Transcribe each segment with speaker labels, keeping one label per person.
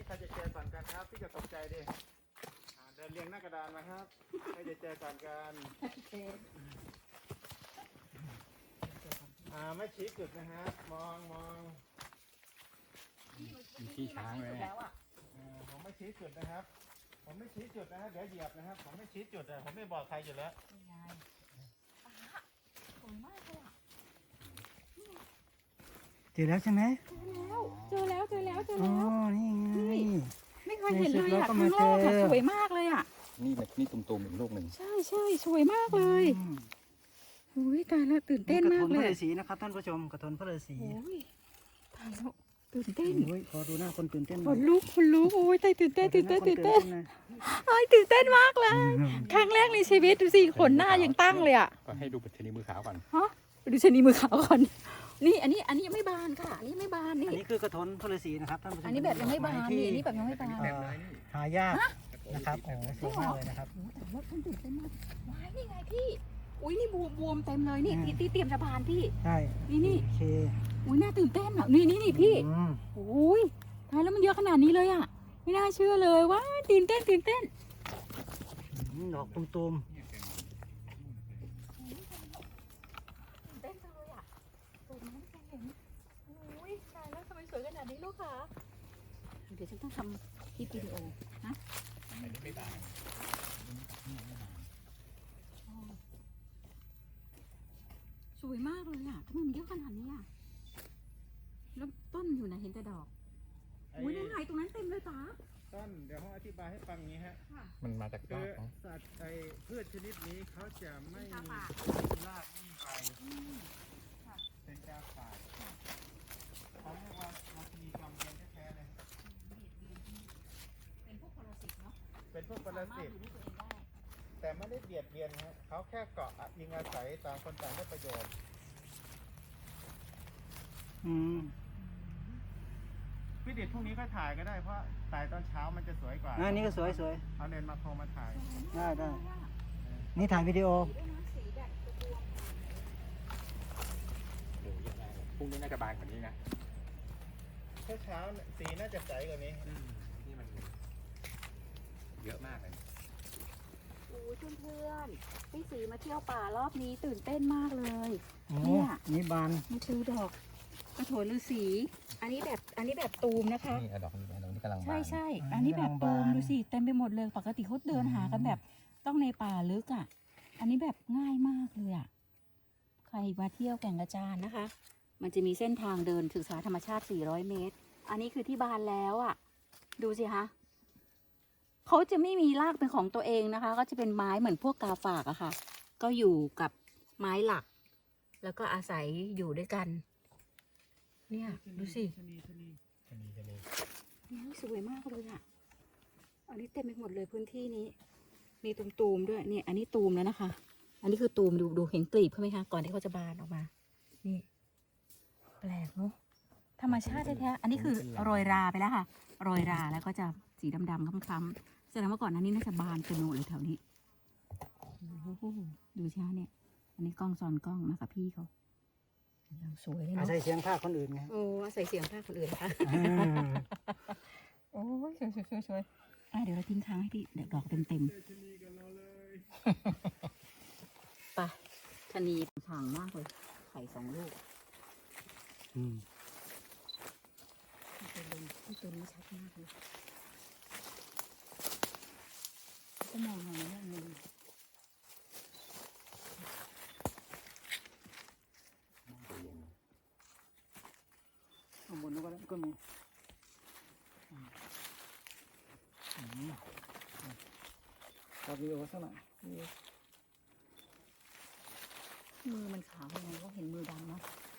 Speaker 1: ใครจะเจอก่อนกันครับพี่จะตกใจดิเดินเรียงหน้ากระดานมาครับใครจะเจอก่อนกันไม่ชี้จุดนะฮะมอง
Speaker 2: มีขี้ช้างเลย
Speaker 1: ผมไม่ชี้จุดนะครับผมไม่ชี้จุดนะฮะเดี๋ยวเหยียบนะครับผมไม่ชี้จุดผมไม่บอกใครอยู่แล้ว
Speaker 3: เจอแล้วใช่ไหม
Speaker 4: เจอแล้ว
Speaker 3: อ๋อนี่ไง
Speaker 4: ไม่เคยเห็นเลยอ่ะข้างนอกอ่ะสวยมากเลยอ่ะ
Speaker 2: นี่ตุ่มๆอีกลูกหนึ่ง
Speaker 4: ใช่สวยมากเลยอุ้ยตายแล้วตื่นเต้นมากเลย
Speaker 3: กระทนพระฤาษีนะครับท่านผู้ชมกระทนพระฤาษี
Speaker 4: โอ้ยตายแล้วตื่นเต้น
Speaker 3: ขอดูหน้าคนตื่นเต้นห
Speaker 4: ข
Speaker 3: น่อย
Speaker 4: นลุกโอ้ยตายตื่นเต้นไอ้ตื่นเต้นมากเลยครั้งแรกในชีวิตดูสิขนหน้ายังตั้งเลยอ่ะ
Speaker 2: ก็ให้ดูปัจจัยมือขาวก่อน
Speaker 4: ฮะไปดูชนีมือขาวก่อนนี่อันนี้ยังไม่บานค่ะอันนี้ไม่บานนี่
Speaker 3: อันนี้คือกระทนพระฤาษีนะครับท่านผู้ชม
Speaker 4: อันนี้แบบยังไม่บานนี่อันนี้แบบยังไม่บาน
Speaker 3: หายากนะครับโอ้สวยมากเลยนะครับ
Speaker 4: แต่ว่าท่านตื่นเต้นมากว้ายนี่ไงพี่อุ้ยนี่บวมเต็มเลยนี่ที่เตรียมจะบานพี่
Speaker 3: ใช่
Speaker 4: นี่
Speaker 3: โอเค
Speaker 4: อุ้ยน่าตื่นเต้นอ่ะนี่พี่โอ้ยตายแล้วมันเยอะขนาดนี้เลยอ่ะไม่น่าเชื่อเลยว้าตื่นเต้น
Speaker 3: ดอกตุ่ม
Speaker 4: เต้นจังเลยอ่ะสวยมากแกเห็นโอ้ยตายแล้วทำไมสวยขนาดนี้ลูกคะเดี๋ยวฉันต้องทำคลิปวิดีโอนะ
Speaker 2: ไม่บาน
Speaker 4: สวยมากเลยอ่ะทำไมมันเยอะขนาดนี้อ่ะแล้วต้นอยู่ไหนเห็นแต่ดอกอุ้ยนั่นไงตรงนั้นเต็มเลยจ๋า
Speaker 1: ต้นเดี๋ยวผมอธิบายให้ฟังอย่างนี้ฮะ
Speaker 2: มันมาจาก
Speaker 1: คื
Speaker 2: ราก
Speaker 1: อ
Speaker 2: เนาะ
Speaker 1: สัตว์พืชชนิดนี้เขาจะไม่มีรากไม่มีใบเป็นกาฝากเขาเรียกว่าราชินีจอมเทียนแท้ๆเลย
Speaker 4: เป็นพวกปรสิตเนาะ
Speaker 1: เป็นพวกปรสิต
Speaker 4: อยู่ด้วยตัวเองได้
Speaker 1: แต่ไม่ได้เบียดเบียนฮะเขาแค่เกาะยิงอาศัยต่างคนต่างได้ประโยชน์พี่ดิดพรุ่งนี้ก็ถ่ายก็ได้เพราะถ่ายตอนเช้ามันจะสวยกว่า
Speaker 3: อันนี้ก็สวย
Speaker 1: เอาเลนส์มาโครมาถ่าย
Speaker 3: ได้นี่ถ่ายวิดีโอ
Speaker 4: สีแบบบวม
Speaker 2: โอ้ยยังไงพรุ่งนี้น่าจะบานกว่านี้นะ
Speaker 1: เช้าสีน่าจะใสกว่านี้
Speaker 2: นี่มันเยอะมากเลย
Speaker 4: โอ้ยเพื่อนๆพี่สีมาเที่ยวป่ารอบนี้ตื่นเต้นมากเลย
Speaker 3: โอ้
Speaker 4: เนี่ย
Speaker 3: นี่บาน
Speaker 4: นี่คือดอกกระโถนฤาษีอันนี้แบบตูมนะคะ
Speaker 2: นี่ดอกนี้กำลังบาน
Speaker 4: ใช่อันนี้แบบตูมดูสิเต็มไปหมดเลยปกติเขาเดินหากันแบบต้องในป่าลึกอ่ะอันนี้แบบง่ายมากเลยอ่ะใครมาเที่ยวแก่งกระจานนะคะ มันจะมีเส้นทางเดินศึกษาธรรมชาติ400 เมตรอันนี้คือที่บานแล้วอ่ะดูสิคะเขาจะไม่มีรากเป็นของตัวเองนะคะก็จะเป็นไม้เหมือนพวกกาฝากอะค่ะก็อยู่กับไม้หลัก แล้วก็อาศัยอยู่ด้วยกันเนี่ยดูสินี่สวยมากเลยอ่ะอันนี้เต็มไปหมดเลยพื้นที่นี้มีตูมๆด้วยนี่อันนี้ตูมแล้วนะคะ อันนี้คือตูมดูเห็นกลีบเขาไหมคะก่อนที่เขาจะบานออกมานี่แปลกเนาะธรรมชาติแท้ๆอันนี้คือโรยราไปแล้วค่ะโรยราแล้วก็จะสีดำๆคล้ำๆแสดงว่าก่อนหน้านี้น่าจะบานเป็นโนเลยแถวนี้โอ้โหดูสิคะเนี่ยอันนี้กล้องซ้อนกล้องมากับพี่เขาสวยเลย
Speaker 3: อา
Speaker 4: เนาะ
Speaker 3: ศัยเสียงภาคคนอื่นไง
Speaker 4: โอ้ใส่เสียงภาคคนอื่นนะคะโอ้ยสวยเดี๋ยวเราทิ้งค้างให้พี่เดี๋ยวดอกเต็มไปชะนีฉ่างมากเลยไข่2 ลูกตัวนี้ชัดมากเลยก็มองหน่อยนะเงิน
Speaker 3: ข้างบนนู้นก็มีตัดวิดีโอสักหน่อย
Speaker 4: มือมันขาวยังไงก็เห็นมือดำเนาะ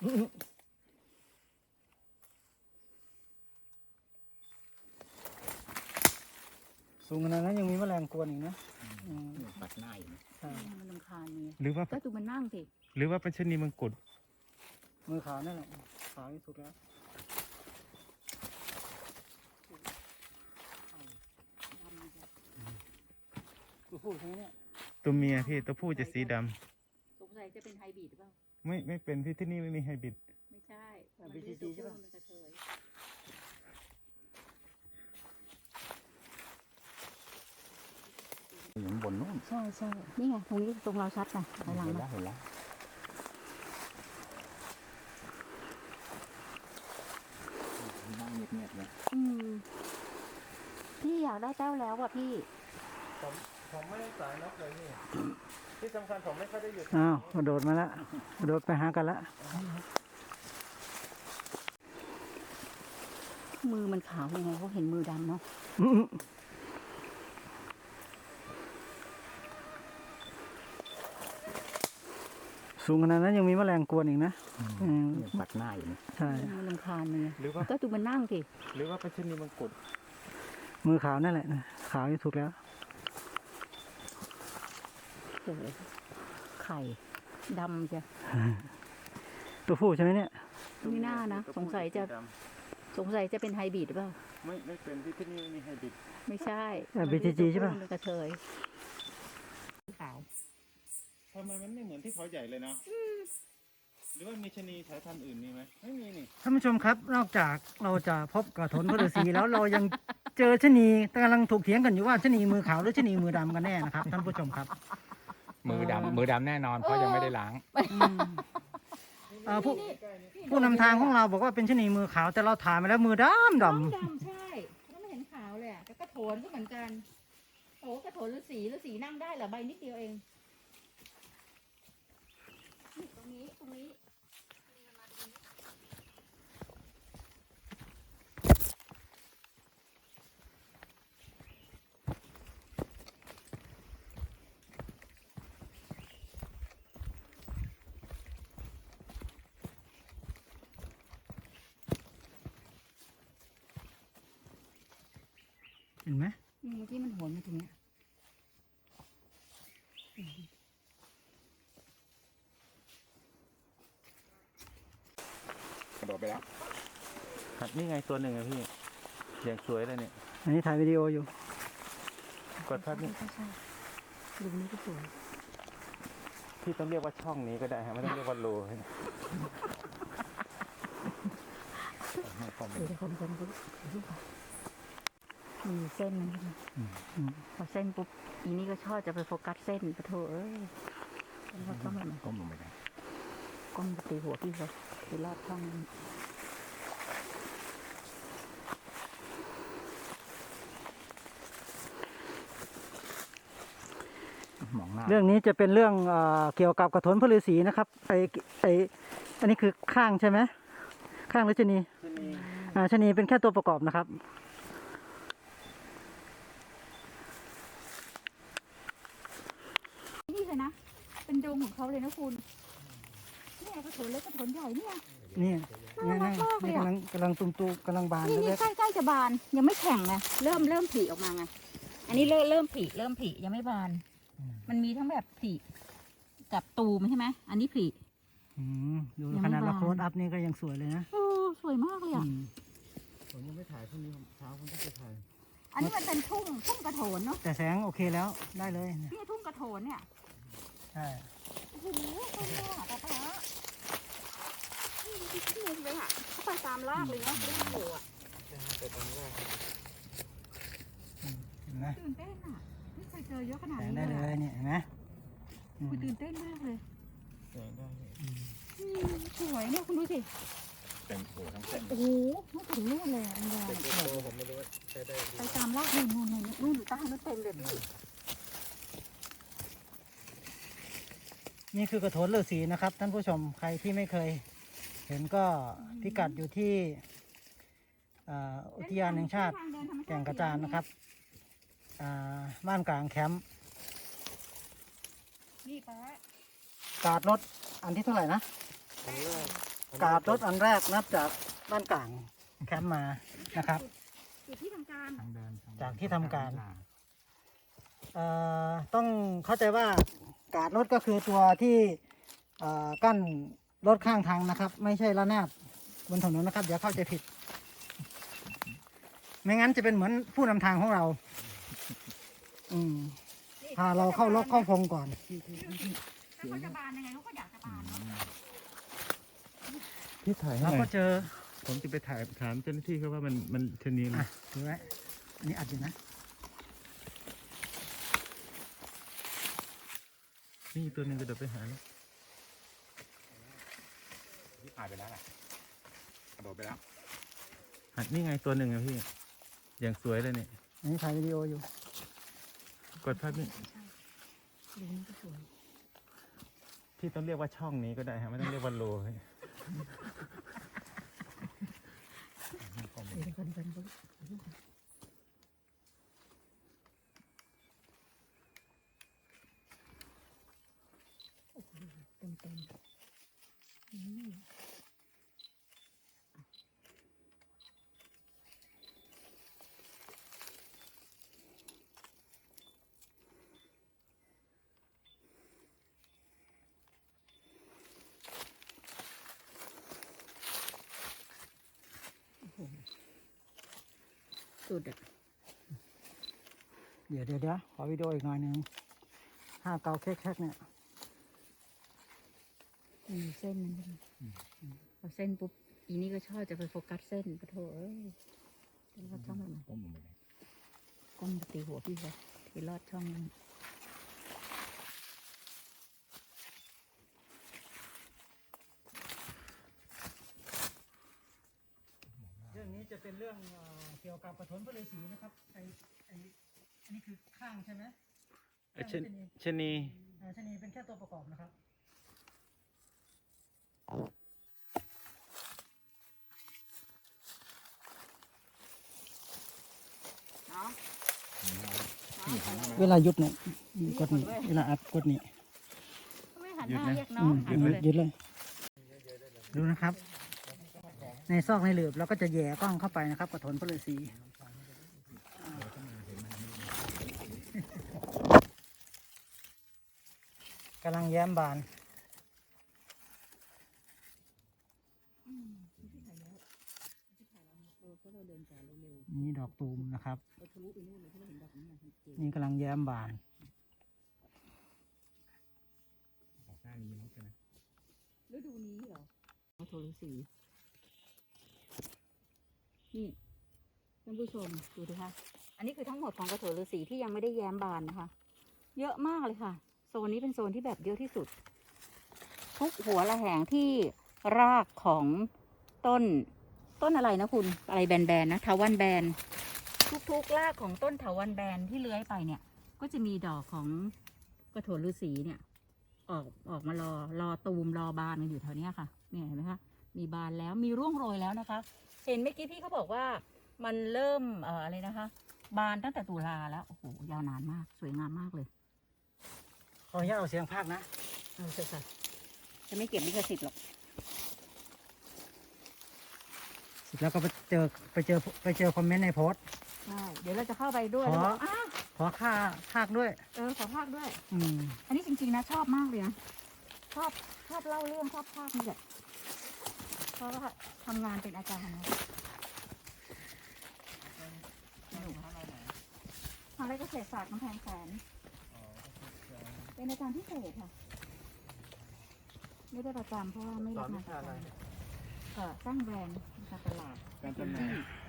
Speaker 3: สูงขนาดนั้นยังมีแมลงกวนอีกนะ
Speaker 2: ปัดหน้าอยู่นะ
Speaker 3: ใช่
Speaker 4: มันรำคาญเนี่ย
Speaker 1: หรือว่า
Speaker 4: ก็ดูมันนั่งสิ
Speaker 1: หรือว่าเป็นชนีมังกร
Speaker 3: มือขาวนั่นแหละขาวที่สุดแล้วตัวผู้ใช่ไหมเนี่ย
Speaker 1: ตัวเมียพี่ตัวผู้จะสีดำ
Speaker 4: สงสัยจะเป็นไฮบริดหรือเปล่า
Speaker 1: ไม่เป็นที่นี่ไม่มีไฮบริด
Speaker 4: ไม่ใช่
Speaker 3: BGG ใช่ปะ
Speaker 4: มันกระเทย
Speaker 2: อยู่ข้างบนนู่น
Speaker 4: ใช่ใช่นี่ไงตรงนี้ตรงเราชัดนะไปหลัง
Speaker 2: เห็น
Speaker 4: มา
Speaker 2: แล้วเห็นแล้วนั่งเงียบๆเนี่ย
Speaker 4: พี่อยากได้แต้วแล้วอ่ะพี่
Speaker 1: ผมไม่ได้สายนกเลยพี่ที่สำคัญผมไม่ค่อยได้อยู่
Speaker 3: อ้าวกระโดดมาละกระโดดไปหากันละ
Speaker 4: มือมันขาวยังไงเขาเห็นมือดำเนาะ
Speaker 3: อื้อสูงขนาดนั้นยังมีแมลงกวนอีกนะอืม
Speaker 2: เนี่ยปัดหน้าอยู่นี่
Speaker 3: ใช่
Speaker 4: มันรำคาญมันไง
Speaker 1: หรือว่า
Speaker 4: ก็ดูมันนั่งสิ
Speaker 1: หรือว่าเป็นชนีมังกร
Speaker 3: มือขาวนั่นแหละนะขาวที่ถูกแล้ว
Speaker 4: เจอไข่ดำจ้ะ
Speaker 3: ตัวผู้ใช่ไหมเนี่ย
Speaker 4: ไม่น่านะสงสัยจะเป็นไฮบริดหรือเปล่า
Speaker 1: ไม่เป็นที่นี่ไม่มีไฮบริด
Speaker 4: ไม่ใช่
Speaker 3: BTG ใช่ปะ
Speaker 4: มันเป็นกระเทยขาว
Speaker 1: ทำไมมันไม่เหมือนที่เขาใหญ่เลยเนาะหรือว่ามีชนีสายพันธุ์อื่นมีไหมไม่มีนี่
Speaker 3: ท่านผู้ชมครับนอกจากเราจะพบกระถนพระฤาษีแล้วเรายังเจอชะนีกำลังถกเถียงกันอยู่ว่าชะนีมือขาวหรือชะนีมือดำกันแน่นะครับท่านผู้ชมครับ
Speaker 2: มือดำแน่นอนเพราะยังไม่ได้ล้าง
Speaker 3: ผู้นำทางของเราบอกว่าเป็นชะนีมือขาวแต่เราถ่ายมาแล้วมือดำด
Speaker 4: ดำใช่แล้วไม่เห็นขาวเลยอ่ะแต่กระโถนก็เหมือนกันโอ้กระโถนฤาษีนั่งได้เหรอใบนิดเดียวเองนี่ตรงนี้
Speaker 3: ำเห็นไหม
Speaker 4: เมื่อกี้มันโหนมาตรงเนี้ย
Speaker 2: กระโดดไปแล้ว
Speaker 1: ครับนี่ไงตัวหนึ่งอะพี่อย่างสวยเลยเนี่ย
Speaker 3: อันนี้ถ่ายวิดีโออยู่
Speaker 1: กดภาพนี่
Speaker 4: ใช่ดูนี้ก็สวย
Speaker 1: พี่ต้องเรียกว่าช่องนี้ก็ได้ฮะไม่ต้องเรียกว่าโลให้
Speaker 4: เดี๋ยวคนดูมีเส้นมันใช่ไหมพอเส้นปุ๊บอีนี่ก็ชอบจะไปโฟกัสเส้นปะโถเอ้ยแล้วก็มัน
Speaker 2: ก้มลงไปได้
Speaker 4: ก้มไปตีหัวพี่เขาไปลอดช่องนั้น
Speaker 2: มองหน้า
Speaker 3: เรื่องนี้จะเป็นเรื่องเกี่ยวกับกระถนพระฤาษีนะครับอันนี้คือข้างใช่ไหมข้างหรือชะนี
Speaker 1: ชนี
Speaker 3: ชะนีเป็นแค่ตัวประกอบนะครับ
Speaker 4: นี่เลยนะ เป็นดงของเขาเลยนะคุณเนี่ยกระโถนเล็กกระโถนใหญ่เนี่ย
Speaker 3: นี่
Speaker 4: น่ารักมากเลยอะ
Speaker 3: กำลังตุ่มๆกำลังบาน
Speaker 4: นี่
Speaker 3: เล็ก
Speaker 4: ใกล้จะบานยังไม่แข็งไงเริ่มผลิออกมาไงอันนี้เริ่มผลิยังไม่บาน มันมีทั้งแบบผลิกับตูมใช่ไหมอันนี้ผลิ
Speaker 3: ๆดู
Speaker 4: ยัง
Speaker 3: ข
Speaker 4: ไม่
Speaker 3: นาดเรา
Speaker 4: บาน
Speaker 3: โคลดอัพนี่ก็ยังสวยเลยนะ
Speaker 4: โอ้สวยมากเลยอ่ะ
Speaker 1: ผมยังไม่ถ่ายพรุ่งนี้เช้าผมต้องไปถ่าย
Speaker 4: อันนี้มันเป็นทุ่งกระโถนเนาะ
Speaker 3: แต่แสงโอเคแล้วได้เลยเนี่ย
Speaker 4: นี่ทุ่งกระโถนเนี่ย
Speaker 3: ใช่
Speaker 4: โอ้โหสวยมากป๊าป๊านี่มีที่มุมเลยอ่ะเข้าไปตามรากเลยเนาะไม่ได้โผล่อ่ะ
Speaker 3: เห็นไหม
Speaker 4: ตื่นเต้นอ่ะไม่เคยเจอเยอะขนาด
Speaker 3: แสง
Speaker 4: นี้
Speaker 3: ได้
Speaker 4: เล
Speaker 3: เลย ยเนี่ยเห็นไหม
Speaker 4: คุณตื่นเต้นมากเลย
Speaker 1: แสงได้เลย
Speaker 4: สวยเนี่ยคุณดูสิ
Speaker 2: เต็มหัวทั้งเส้น
Speaker 4: โอ้โหไม่ถึงนู่นเลยอ่ะมันยาว
Speaker 1: เป็นโตผมไม่รู้ว่าใช้ได้
Speaker 4: ไปตามรากนู่นอยู่ใต้นั่นเต็มเลยพี่
Speaker 3: นี่คือกระโถนฤาษีนะครับ ท่านผู้ชมใครที่ไม่เคย เห็นก็พิกัดอยู่ที่อุทยานแห่งชาติแก่งกระจานนะครับบ้านกลางแคมป์
Speaker 4: นี่ป้า
Speaker 3: การ์ดรถอันที่เท่าไหร่นะ
Speaker 1: อันแรก
Speaker 3: การ์ดรถอันแรกนับจากบ้านกลางแคมป์มานะครับ
Speaker 4: จุดที่ทำการ
Speaker 2: ทางเดิน
Speaker 3: จากที่ทำการ ต้องเข้าใจว่าการ์ดรถก็คือตัวที่กั้นรถข้างทางนะครับ ไม่ใช่ระนาบบนถนนนะครับอย่าเข้าใจผิด ไม่งั้นจะเป็นเหมือนผู้นำทางของเรา พาเราเข้าล็อกเข้าพงก่อน
Speaker 4: ถ้าเขาจะบานยังไงเขาก็อยากจะบานเนาะ
Speaker 1: พี่ถ่ายให้
Speaker 3: เรา
Speaker 1: หน่
Speaker 3: ก็
Speaker 1: อย
Speaker 3: เจอ
Speaker 1: ผมจะไปถ่ายถามเจ้าหน้าที่เขาว่ามันชนีอะไร
Speaker 3: ถือไว้อันนี้อัดอยู่นะ
Speaker 1: นี่ตัวหนึ่งกระโดดไปหาแล้ว
Speaker 2: ที่ผ่านไปแล้วล่ะกระโดดไปแล้ว
Speaker 1: นี่ไงตัวหนึ่งอะพี่ อย่างสวยเลยเนี่ย
Speaker 3: อันนี้ถ่ายวิดีโออยู่
Speaker 1: กดภาพนี่
Speaker 4: ดูนี่ก็สวย
Speaker 1: พี่ต้องเรียกว่าช่องนี้ก็ได้ฮะไม่ต้องเรียกว่าโลเฮ้ย
Speaker 4: เดี๋ยวกันโอ้โหเต็มสุดอ่ะ
Speaker 3: เดี๋ยวขอวิดีโออีกหน่อยหนึงภาพเก่าแคกๆเนี่ย
Speaker 4: มีเส้นมันด้วยพอเส้นปุ๊บอีนี่ก็ชอบจะไปโฟกัสเส้นปะโถเอ้ยจะลอดช่องมัน
Speaker 2: ก้มลงไปเลย
Speaker 4: ก้มไปตีหัวพี่เขาที่ลอดช่องมัน
Speaker 3: เรื่องนี้จะเป็นเรื่องเกี่ยวกับกระถนพระฤาษีนะครับอันนี้คือข้างใช่ไหม
Speaker 1: ชนี
Speaker 3: ชนีเป็นแค่ตัวประกอบนะครับ
Speaker 4: เนาะ
Speaker 3: เวลาหยุดเนี่ยกดนี่เวลาอัดกดนี่
Speaker 4: ไม่หันหน้าเรียกน้องหัน
Speaker 3: ห
Speaker 4: เล
Speaker 3: ยุ
Speaker 4: ย
Speaker 3: ดเลยดูนะครับ ในซอกในหลืบเราก็จะแย่กล้องเข้าไปนะครับกระถนพระฤาษีกำลังแย้มบาน นี่ดอกตูมนะครับ นี่กำลังแย้มบาน
Speaker 2: ออกหน้านี้มั้งใช่ไหม
Speaker 4: ฤดูนี้เหรอโทรสีนี่ท่านผู้ชมดูดิคะอันนี้คือทั้งหมดของกระโถนฤาษีที่ยังไม่ได้แย้มบานนะคะ เยอะมากเลยค่ะโซนนี้เป็นโซนที่แบบเยอะที่สุด ทุกหัวระแหงที่รากของต้นอะไรนะคุณอะไรแบนๆนะเถาวัลย์แบนทุกรากของต้นเถาวัลย์แบนที่เลื้อยไปเนี่ย ก็จะมีดอกของกระโถนฤาษีเนี่ย ออกมารอตูมรอบานกันอยู่แถวเนี้ยค่ะเนี่ยเห็นไหมคะมีบานแล้วมีร่วงโรยแล้วนะคะ เห็นเมื่อกี้พี่เขาบอกว่ามันเริ่มอะไรนะคะ บานตั้งแต่ตุลาแล้วโอ้โหยาวนานมากสวยงามมากเลย
Speaker 3: ขออนุญาตเอาเสียงภาคนะ
Speaker 4: เอาเถอะค่ะจะไม่เก็บลิขสิทธิ์หรอก
Speaker 3: เสร็จแล้วก็ไปเจอคอมเมนต์ในโพสต์
Speaker 4: ใช่เดี๋ยวเราจะเข้าไปด้วย
Speaker 3: ขอ
Speaker 4: แล้วบอกอ้าว
Speaker 3: ขอค่าภาคด้วย
Speaker 4: ขอภาคด้วย
Speaker 3: อืม
Speaker 4: อันนี้จริงๆนะชอบมากเลยนะชอบเล่าเรื่องชอบภาคนี่แหละเพราะว่าทำงานเป็นอาจารย์นะทางไรเกษตรศาสตร์กำแพงแสนเป็นอาจารย์พิเศษค่ะ ไม่ได้ประจำเพราะว่าไม่รับงานประจำสร้างแบรนด์การตลาด
Speaker 1: การจำหน่าย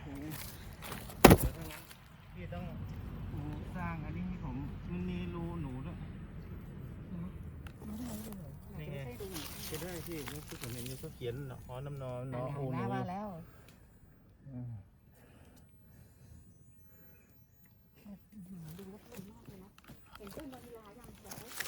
Speaker 1: พี่ต้องสร้างอันนี้ให้ผมมันมีรูหนูด้วย
Speaker 4: ไม่ได้เลย
Speaker 1: นี่ไง จะได้พี่นี่คือผมเห็นนี่เขาเขียนหอน้ำนอนนอโอ
Speaker 4: ห
Speaker 1: หนู
Speaker 4: น้ามาแล้ว
Speaker 1: อืม
Speaker 4: ดูแล้วเพลินมากเลยนะเห็นต้นวานิลายังอยากได้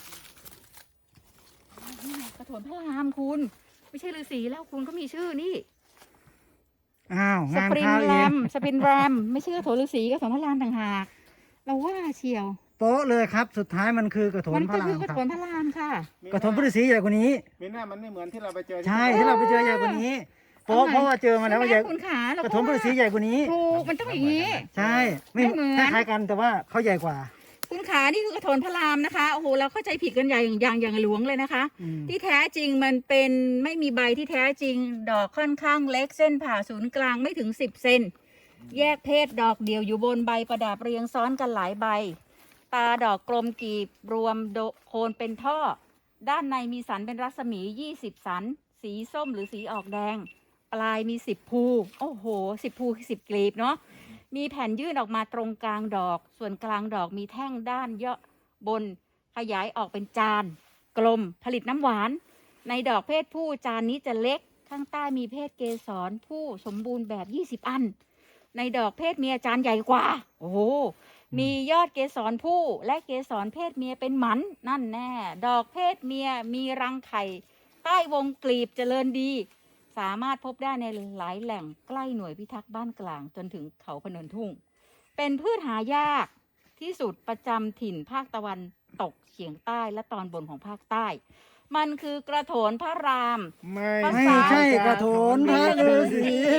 Speaker 4: นี่ไงกระโถนพระรามคุณ ไม่ใช่ฤาษีแล้วคุณก็มีชื่อนี่
Speaker 3: อ้าว
Speaker 4: ส
Speaker 3: งาน
Speaker 4: ปริง
Speaker 3: เข้า
Speaker 4: แร
Speaker 3: อีก
Speaker 4: มสปริงแรมไม่ใช่กระโถนฤาษีกระโถนพระรามต่างหากเราว่าเชียว
Speaker 3: โป๊ะเลยครับ สุดท้ายมันคือกระถน
Speaker 4: มัน
Speaker 3: พ
Speaker 4: ก็
Speaker 3: ระรา
Speaker 4: คื
Speaker 3: ม
Speaker 4: อกระ
Speaker 3: ครั
Speaker 4: โถ
Speaker 3: บ
Speaker 4: นพระรามค่ะ
Speaker 3: กระถนพระฤาษีใหญ่กว่านี้
Speaker 1: มีหน้ามันไม่เหมือนที่เราไปเจอ
Speaker 3: ใช่ที่เราไปเจอใหญ่กว่านี้โป๊ะเพราะว่าเจอมาแล้วว่าใหญ่
Speaker 4: คุณขาเรา
Speaker 3: กระถนพระฤาษีใหญ่กว่านี้
Speaker 4: ถูกมันต้องอย่างนี้
Speaker 3: ใช่ไม่
Speaker 4: ไม่เหมือน
Speaker 3: คล้ายๆกันแต่ว่าเขาใหญ่กว่า
Speaker 4: คุณขานี่คือกระโถนพระรามนะคะโอ้โหเราเข้าใจผิดกันอย่างหลวงเลยนะคะ
Speaker 3: อืม
Speaker 4: ที่แท้จริงมันเป็นไม่มีใบที่แท้จริง ดอกค่อนข้างเล็กเส้นผ่าศูนย์กลางไม่ถึง10 เซนแยกเพศดอกเดียวอยู่บนใบประดับเรียงซ้อนกันหลายใบ ตาดอกกลมกีบรวมโคนเป็นท่อ ด้านในมีสันเป็นรัศมี20 สัน สีส้มหรือสีออกแดง ปลายมี10 ภูโอ้โห10 ภูคือ10 กลีบเนาะมีแผ่นยื่นออกมาตรงกลางดอก ส่วนกลางดอกมีแท่งด้านเยาะบนขยายออกเป็นจานกลมผลิตน้ำหวาน ในดอกเพศผู้จานนี้จะเล็กข้างใต้มีเพศเกสรผู้สมบูรณ์แบบ20 อัน ในดอกเพศเมียจานใหญ่กว่าโอ้โหมียอดเกสรผู้และเกสรเพศเมียเป็นหมันนั่นแน่ดอกเพศเมียมีรังไข่ใต้วงกลีบเจริญดี สามารถพบได้ในหลายแหล่งใกล้หน่วยพิทักษ์บ้านกลางจนถึงเขาพนนทุ่ง เป็นพืชหายากที่สุดประจำถิ่นภาคตะวันตกเฉียงใต้และตอนบนของภาคใต้ มันคือกระโถนพระราม
Speaker 1: ไม่
Speaker 3: ไม่ใช่กระโถนพระฤาษี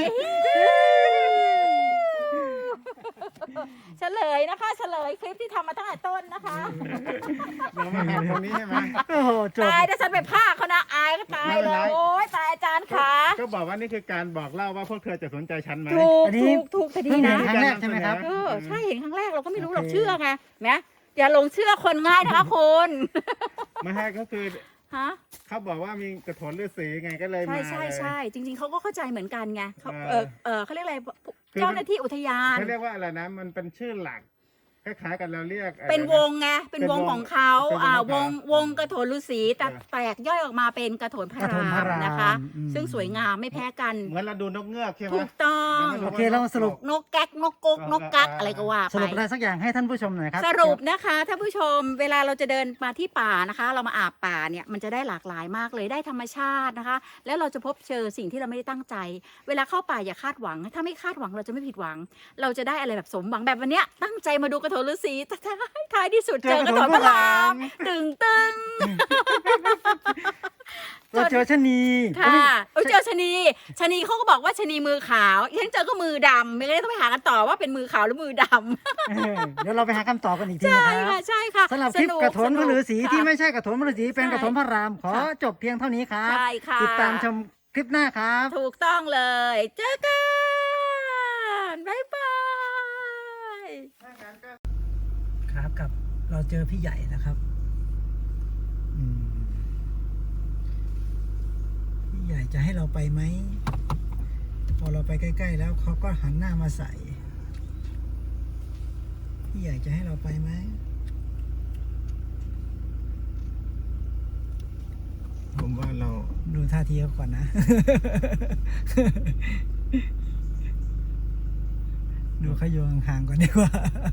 Speaker 4: เฉลยนะคะ เฉลยคลิปที่ทำมาตั้งแต่ต้นนะคะ
Speaker 1: เรามาหาตรงนี้ใช่ไหม
Speaker 3: โอ้โหจบ
Speaker 4: ตายถ้าฉันไปพากเขานะอายก็ตายเลยโอ้ยตายอาจารย์ขา
Speaker 1: ก็บอกว่านี่คือการบอกเล่าว่าพวกเธอจะสนใจฉันไหม
Speaker 4: ถูก
Speaker 3: อันนี้
Speaker 4: ถูกคดี
Speaker 3: เพิ่ง
Speaker 4: นะ
Speaker 3: เห็นครั้งแรกใช่ไหมครับ
Speaker 4: ใช่เห็นครั้งแรกเราก็ไม่รู้หรอก
Speaker 3: โอเค
Speaker 4: เชื่อไงนะอย่าหลงเชื่อคนง่ายนะคะคุณ
Speaker 1: ไม่ให้ก็คือ
Speaker 4: ฮะ
Speaker 1: เขาบอกว่ามีกระโถนฤาษีไงก็เลย
Speaker 4: ใช่
Speaker 1: มา
Speaker 4: ใช่
Speaker 1: เลย
Speaker 4: ใช่จริง ๆเขาก็เข้าใจเหมือนกันไงเขา
Speaker 1: เออ
Speaker 4: เขาเรียกอะไร
Speaker 1: คือ
Speaker 4: เจ้าหน้าที่อุทยาน
Speaker 1: เขาเรียกว่าอะไรนะ มันเป็นชื่อหลักคล้ายๆกันเราเรียกอะไรนะ
Speaker 4: เป็นวงไงเป็นวงของเขา
Speaker 1: เป็นวงของเขา
Speaker 4: วงกระโถนฤาษีแต่
Speaker 1: เออ
Speaker 4: แตกย่อยออกมาเป็นกระโถนพระ
Speaker 3: กระโถนพระ
Speaker 4: ราม
Speaker 3: ราม
Speaker 4: นะคะ
Speaker 3: อืม
Speaker 4: ซึ่งสวยงามไม่แพ้กัน
Speaker 1: เหมือนเราดูนกเงือกใช่ไหม
Speaker 4: ถูกต้อง
Speaker 1: แล้วมัน
Speaker 3: โอเคเราสรุป
Speaker 4: นกแก๊กนกกกนกกักอะไรก็ว่า
Speaker 3: สรุป
Speaker 4: ไป
Speaker 3: อะไรสักอย่างให้ท่านผู้ชมหน่อยครับ
Speaker 4: สรุปนะคะท่านผู้ชมเวลาเราจะเดินมาที่ป่านะคะ เรามาอาบป่าเนี่ยมันจะได้หลากหลายมากเลยได้ธรรมชาตินะคะ แล้วเราจะพบเจอสิ่งที่เราไม่ได้ตั้งใจ เวลาเข้าป่าอย่าคาดหวัง ถ้าไม่คาดหวังเราจะไม่ผิดหวัง เราจะได้อะไรแบบสมหวังแบบวันเนี้ยตั้งใจมาดูกระโถนฤาษีแต่ท้ายที่สุดเจอกระโถนพระรามตึง
Speaker 3: เราเจอชะนี
Speaker 4: ค่ะเจอชะนีเขาก็บอกว่าชะนีมือขาวฉันเจอก็มือดำไม่ได้ต้องไปหากันต่อว่าเป็นมือขาวหรือมือดำ
Speaker 3: เดี๋ยวเราไปหาคำตอบกันอีกที
Speaker 4: ใช่
Speaker 3: นะครั
Speaker 4: ค่ะ
Speaker 3: บ
Speaker 4: ใช่ค่ะ
Speaker 3: สำหรับคลิปกระโถนพระฤาษีที่
Speaker 4: ค่ะ
Speaker 3: ไม่ใช่กระโถนพระฤาษีเป็น
Speaker 4: ใช่
Speaker 3: กระโถนพระรามขอจบเพียงเท่านี้ครับ
Speaker 4: ใช่ค่ะ
Speaker 3: ติดตามชมคลิปหน้าครับ
Speaker 4: ถูกต้องเลย เจอกัน บ๊ายบาย
Speaker 3: ครับกับเราเจอพี่ใหญ่นะครับพี่ใหญ่จะให้เราไปไหมพอเราไปใกล้ๆแล้วเขาก็หันหน้ามาใส่พี่ใหญ่จะให้เราไปไหม
Speaker 1: ผมว่าเรา
Speaker 3: ดูท่าทีเขาก่อนนะ ดูเขาโยงห่างๆก่อนดีกว่า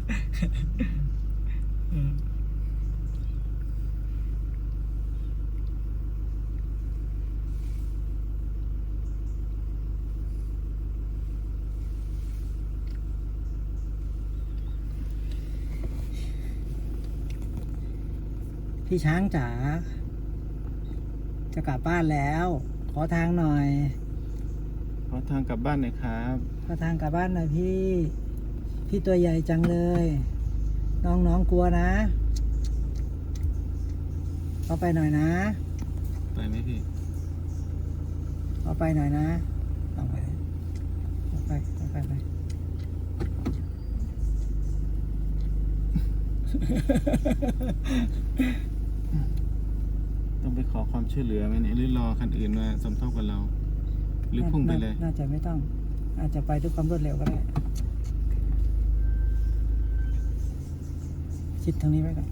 Speaker 3: พี่ช้างจ๋าจะกลับบ้านแล้ว ขอทางหน่อย
Speaker 1: ขอทางกลับบ้านหน่อยครับ
Speaker 3: ขอทางกลับบ้านหน่อยพี่ตัวใหญ่จังเลย น้องกลัวนะขอไปหน่อยนะ
Speaker 1: ไปไหมพี่
Speaker 3: ขอไปหน่อยนะเอาไปไป
Speaker 1: ต้องไปขอความช่วยเหลือไหมเนี่ยหรือรอคันอื่นมาสมทบกับเรา หรือพุ่งไปเลย
Speaker 3: น่าจะไม่ต้อง อาจจะไปด้วยความรวดเร็วก็ได้ชิดทางนี้ไว้ก่อน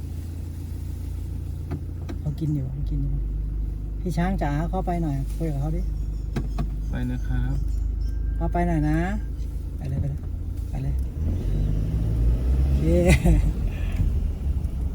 Speaker 3: เขากินอยู่พี่ช้างจ๋าเข้าไปหน่อยคุยกับเขาดิ
Speaker 1: ไปนะครับ
Speaker 3: เข้าไปหน่อยนะไปเลยโอเค